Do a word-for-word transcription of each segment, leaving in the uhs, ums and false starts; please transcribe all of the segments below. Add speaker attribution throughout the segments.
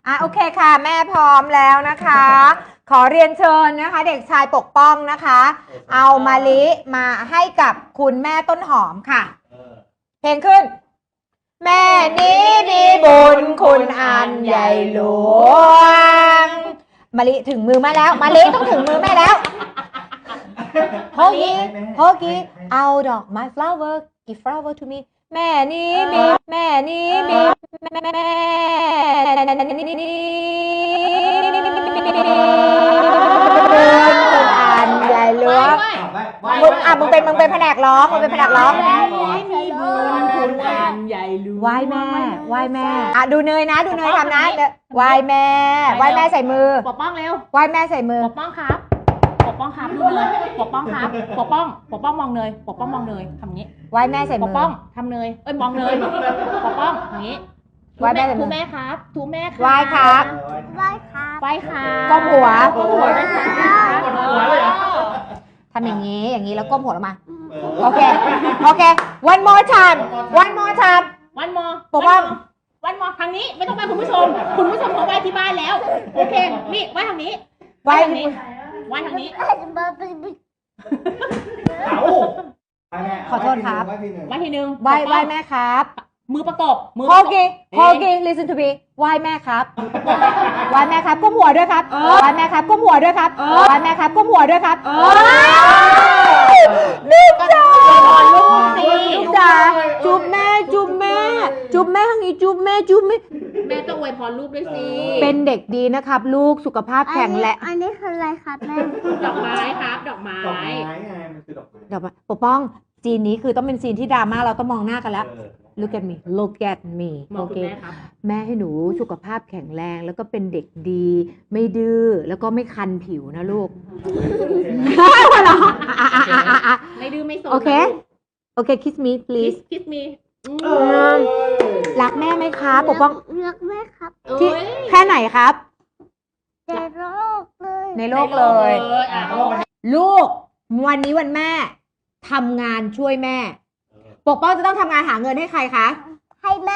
Speaker 1: อ่ะโอเคค่ะแม่พร้อมแล้วนะคะ ขอเรียนเชิญนะคะ เด็กชายปกป้องนะคะ เอามะลิมาให้กับคุณแม่ต้นหอมค่ะเพลงขึ้นแม่นี้มีบุญคุณอันใหญ่หลวงมะลิถึงมือแม่แล้วมะลิต้องถึงมือแม่แล้วโฮกี้โฮกี้เอาดอกไม้ flower give flower to me แม่นี้มีแม่นี้มีแม่อันใหญ่หลวงมึงอ่ะมึงเป็นมึงเป็นแผนกร้องมึงเป็นแผนกร้อง
Speaker 2: มีบุญคุณอันใหญ่หลวง
Speaker 1: ไหว้แม่ไหว้แม่อ่ะดูเนยนะดูเนยทำนะไหว้แม่ไหว้แม่ใส่มือ
Speaker 2: ปกป้องเร็ว
Speaker 1: ไหว้แม่ใส่มือ
Speaker 2: ปกป้องครับปกป้องครับดูเนยปกป้องครับปกป้องปกป้องมองเนยปกป้องมองเนยทำงี้
Speaker 1: ไหว้แม่ใส่มือ
Speaker 2: ปกป้องทำเนยเอ้ยมองเนยปกป้องอย่างงี้
Speaker 1: ไหว้แม่ใส่มือ
Speaker 2: ทูแม่ครับทูแม่ครับ
Speaker 1: ไหว้ครับ
Speaker 3: ไหว้ครับ
Speaker 2: ไหว้ครับ
Speaker 1: ก้มหัว
Speaker 2: ก้มหัวด้วยครับ
Speaker 1: ทำอย่างนี้อย่างนี้แล้วก้มหัวลงมาโอเคโอเค one more time one more time
Speaker 2: วันมอ
Speaker 1: ปกป้อง
Speaker 2: วันมอทางนี้ไม่ต้องไปคุณผู้ชมคุณผู้ชมเขาไหว้ที่บ้านแล้วโอเคนี่ไหว้ทางนี้
Speaker 1: ไหว้
Speaker 2: ทางนี้ไหว้ทางนี้
Speaker 1: ขอโทษครับ
Speaker 2: ไหว้ทีนึง
Speaker 1: ไหว้ไหว้แม่ครับ
Speaker 2: มือประกบมือ
Speaker 1: โอเคโอเค listen to me ไหว้แม่ครับไหว้แม่ครับก้มหัวด้วยครับไหว้แม่ครับก้มหัวด้วยครับไหว้แม่ครับก้มหัวด้วยครับลูกจ๋าลูกจ๋าจุ๊บแม่จุ๊บแม่จุ๊บแม่ทางนี้จุ๊บแม่จุ๊บแม่
Speaker 2: แม่ต้องอวยพรลูกด้วยสิ
Speaker 1: เป็นเด็กดีนะครับลูกสุขภาพแข็งแรง
Speaker 3: อันนี้คืออะไรครับแม่
Speaker 2: ดอกไม้ครับดอกไม้
Speaker 4: ดอกไม้ไงมันคือดอกไม้
Speaker 1: เดี๋ยวปกป้องซีนนี้คือต้องเป็นซีนที่ดราม่าเราต้องมองหน้ากันแล้ว look at me look at me
Speaker 2: มอง
Speaker 1: โอ
Speaker 2: คุ
Speaker 1: เค
Speaker 2: ณแม่ครับ
Speaker 1: แม่ให้หนูสุขภาพแข็งแรงแล้วก็เป็นเด็กดีไม่ดื้อแล้วก็ไม่คันผิวนะลูกหัวเราะ
Speaker 2: ไม่ดื้อไม่สน
Speaker 1: โอเคโอเค kiss me
Speaker 2: คิส
Speaker 1: please
Speaker 2: คิสมี
Speaker 1: รักแม่ไหมครับปกป้อง
Speaker 3: เลือกแม่ครับ
Speaker 1: ที่แค่ไหนครับ
Speaker 3: ในโลกเลย
Speaker 1: ในโลกเลย
Speaker 2: อ่ะ
Speaker 1: ลูกวันนี้วันแม่ทำงานช่วยแม่ ปกป้องจะต้องทำงานหาเงินให้ใครคะ
Speaker 3: ให้แม่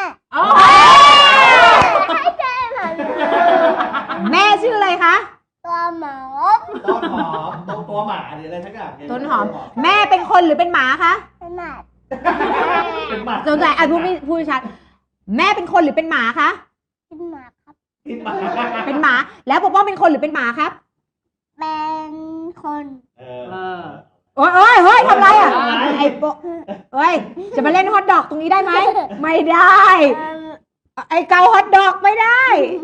Speaker 3: ให้แม่หน่อย
Speaker 1: แม่ชื่ออะไรคะ
Speaker 3: ตัวหมอ
Speaker 4: ต้นหอมตัวตัวหมาหรืออะไรทั้งอย่าง
Speaker 1: ต้นหอมแม่เป็นคนหรือเป็นหมาคะ
Speaker 3: ขนาด
Speaker 4: เป็นหมา
Speaker 1: สงสัยอ่ะพูดไม่พูดชัดแม่เป็นคนหรือเป็นหมาคะ
Speaker 3: เป็นหมาครับ
Speaker 4: เป็นหมา
Speaker 1: เป็นหมาแล้วปกป้องเป็นคนหรือเป็นหมาครับ
Speaker 3: เป็นคน
Speaker 4: เอ
Speaker 2: เอ
Speaker 4: อ
Speaker 2: อ
Speaker 1: โอ้ยโอ้ยเฮ้ยทำไรอ่ะไอ้โปเฮ้ยจะมาเล่นฮอตดอกตรงนี้ได้ไหมไม่ได้
Speaker 3: เอิ่ม
Speaker 1: ไอ้เกาฮอตดอกไม่ได้
Speaker 3: เ